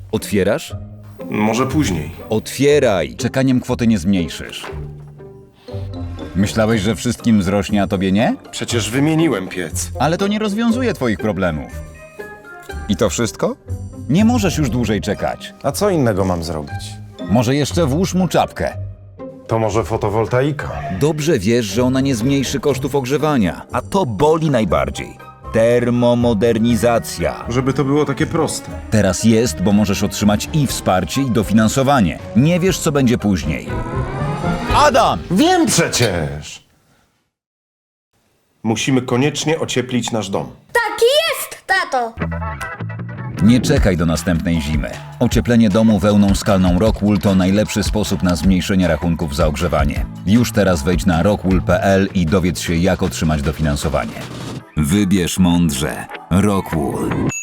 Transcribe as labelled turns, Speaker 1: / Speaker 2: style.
Speaker 1: Otwierasz?
Speaker 2: Może później.
Speaker 1: Otwieraj! Czekaniem kwoty nie zmniejszysz. Myślałeś, że wszystkim wzrośnie, a tobie nie?
Speaker 2: Przecież wymieniłem piec.
Speaker 1: Ale to nie rozwiązuje twoich problemów. I to wszystko? Nie możesz już dłużej czekać.
Speaker 2: A co innego mam zrobić?
Speaker 1: Może jeszcze włóż mu czapkę.
Speaker 2: To może fotowoltaika?
Speaker 1: Dobrze wiesz, że ona nie zmniejszy kosztów ogrzewania, a to boli najbardziej. Termomodernizacja.
Speaker 2: Żeby to było takie proste.
Speaker 1: Teraz jest, bo możesz otrzymać i wsparcie, i dofinansowanie. Nie wiesz, co będzie później. Adam!
Speaker 2: Wiem przecież! Musimy koniecznie ocieplić nasz dom.
Speaker 3: Taki jest, tato!
Speaker 1: Nie czekaj do następnej zimy. Ocieplenie domu wełną skalną Rockwool to najlepszy sposób na zmniejszenie rachunków za ogrzewanie. Już teraz wejdź na rockwool.pl i dowiedz się, jak otrzymać dofinansowanie. Wybierz mądrze. Rockwool.